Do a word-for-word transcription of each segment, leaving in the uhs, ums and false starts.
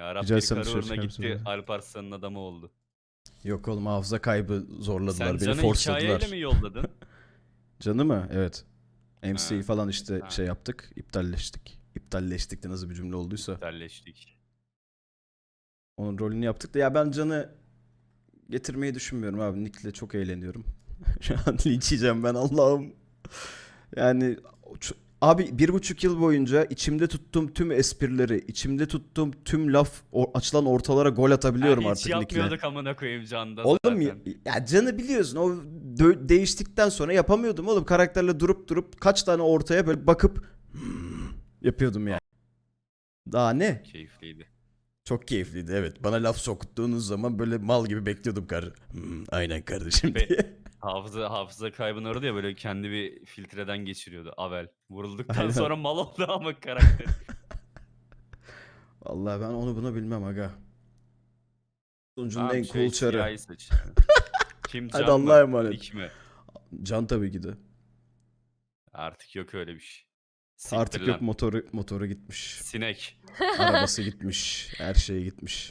Ya Rab Rica bir etsem karı dışarı uğruna çıkar mısın gitti, böyle? Alp Arslan'ın adamı oldu. Yok oğlum, hafıza kaybı zorladılar. Sen Beni Can'ı hikayeyle forsladılar. mi yolladın? Canı mı? Evet. M C'yi Ha, falan işte ha, şey yaptık. İptalleştik. İptalleştik de nasıl bir cümle olduysa. iptalleştik. Onun rolünü yaptık da ya ben Can'ı getirmeyi düşünmüyorum abi. Nick'le çok eğleniyorum. Şu an linç yiyeceğim ben, Allah'ım. Yani ç- abi bir buçuk yıl boyunca içimde tuttuğum tüm esprileri, içimde tuttuğum tüm laf o- açılan ortalara gol Ha, atabiliyorum hiç artık Nick'le. yapmıyorduk amına koyayım Can'da Oğlum ya, zaten. ya Can'ı biliyorsun, o dö- değiştikten sonra yapamıyordum oğlum. Karakterle durup durup kaç tane ortaya böyle bakıp "Hmm" yapıyordum yani. Daha Çok ne? keyifliydi. Çok keyifliydi, evet. Bana laf soktuğunuz zaman böyle mal gibi bekliyordum kar. "Hmm, aynen kardeşim" Be diye. hafıza hafıza kaybını aradı ya, böyle kendi bir filtreden geçiriyordu Avel. Vurulduktan Aynen. sonra mal oldu ama karakter. Vallahi ben onu bunu bilmem aga. Sunucunun Tamam en şey cool çarı. siyahi seç yani. Kim, Hadi Can Allah'a mı? emanet. Nick mi? Can tabii ki de. Artık yok öyle bir şey. Siktir Artık yok, lan. motoru motoru gitmiş. Sinek. Arabası gitmiş. Her şeyi gitmiş.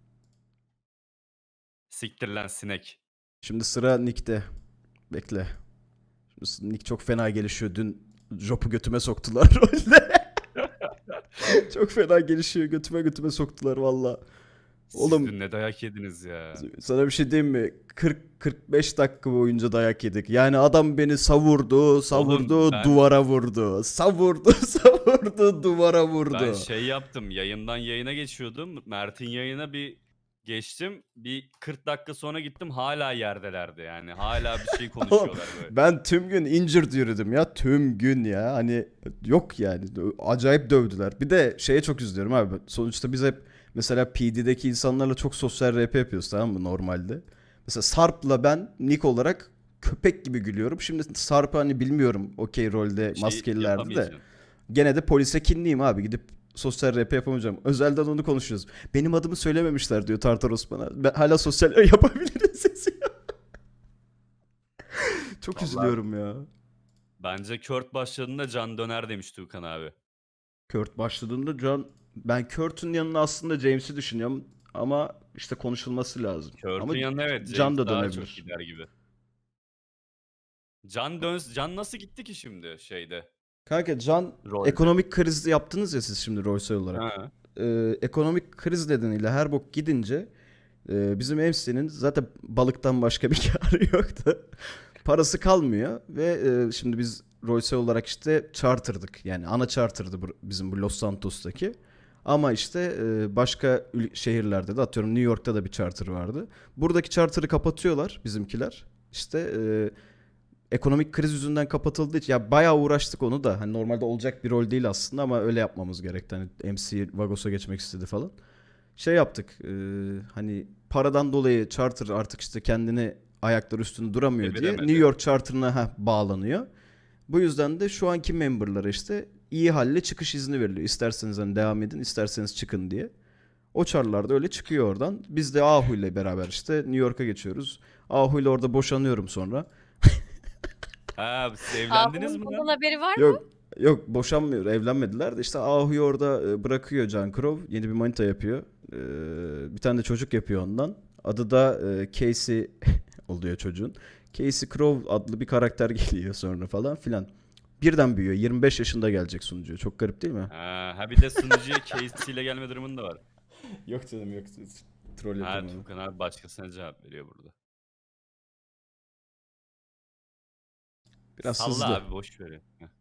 Siktir lan sinek. Şimdi sıra Nick'te. Bekle. Şimdi Nick çok fena gelişiyor. Dün Jop'u götüme soktular rolde. Çok fena gelişiyor. Götüme götüme soktular valla. Siz Oğlum dün ne dayak yediniz ya. sana bir şey diyeyim mi? kırk kırk beş dakika boyunca dayak yedik. Yani adam beni savurdu, savurdu, Oğlum ben duvara vurdu. Savurdu, savurdu, duvara vurdu. ben şey yaptım. Yayından yayına geçiyordum. Mert'in yayına bir geçtim. Bir kırk dakika sonra gittim. Hala yerdelerdi yani. Hala bir şey Oğlum, konuşuyorlar böyle. ben tüm gün injured yürüdüm ya. Tüm gün ya. Hani yok yani. Acayip dövdüler. Bir de şeye çok üzülüyorum abi. Sonuçta biz hep mesela P D'deki insanlarla çok sosyal R P yapıyoruz, tamam mı, normalde. Mesela Sarp'la ben Nick olarak köpek gibi gülüyorum. Şimdi Sarp'ı hani bilmiyorum okey rolde Bir şey maskelilerde de. yapamayacaksın. Gene de polise kinliyim abi. Gidip sosyal R P yapamayacağım. Özelden onu konuşuyoruz. Benim adımı söylememişler diyor Tartar Osman'a. Ben hala sosyal yapabiliriz sesi. Çok Vallahi üzülüyorum ya. bence Kurt başladığında Can döner demişti Tukan abi. Kurt başladığında John, ben Kurt'un yanına aslında James'i düşünüyorum ama işte konuşulması lazım. Ama Kurt'un yanına evet Can James da daha çok dönebilir. gider gibi. Can dön Can nasıl gitti ki şimdi şeyde Kanka Can, rolde? ekonomik kriz yaptınız ya siz şimdi Royce olarak. Ha. Ee, ekonomik kriz nedeniyle her bok gidince e, bizim M C'nin zaten balıktan başka bir karı yoktu. Parası kalmıyor ve e, şimdi biz Royce olarak işte charter'dık. Yani ana charter'dı bu, bizim bu Los Santos'taki. Ama işte e, başka ül- şehirlerde de, atıyorum New York'ta da bir charter vardı. Buradaki charter'ı kapatıyorlar bizimkiler. İşte e, ekonomik kriz yüzünden kapatıldığı için ya bayağı uğraştık onu da. Hani normalde olacak bir rol değil aslında ama öyle yapmamız gerekti. Hani M C Vagos'a geçmek istedi falan. Şey yaptık. E, hani paradan dolayı charter artık işte kendini ayakları üstünde duramıyor diye New Çeviremedi. York charter'ına heh, bağlanıyor. Bu yüzden de şu anki memberlara işte iyi halle çıkış izni veriliyor. İsterseniz hani devam edin, isterseniz çıkın diye. O çarlar da öyle çıkıyor oradan. Biz de Ahu ile beraber işte New York'a geçiyoruz. Ahu ile orada boşanıyorum sonra. Ha, siz Aa, evlendiniz bunun mi bundan lan? haberi var mı? Yok yok, boşanmıyor, evlenmediler de işte Ahu'yu orada e, bırakıyor Can Crow. Yeni bir manita yapıyor. Ee, bir tane de çocuk yapıyor ondan. Adı da e, Casey oluyor çocuğun. Casey Crow adlı bir karakter geliyor sonra falan filan. Birden büyüyor. yirmi beş yaşında gelecek sunucuya. Çok garip değil mi? Ha, ha bir de sunucuya Casey ile gelme durumun da var. Yok canım yok. Troll Ha, yapıyorum onu. Tukan abi başkasına cevap veriyor burada. Biraz Salla hızlı. abi boş ver.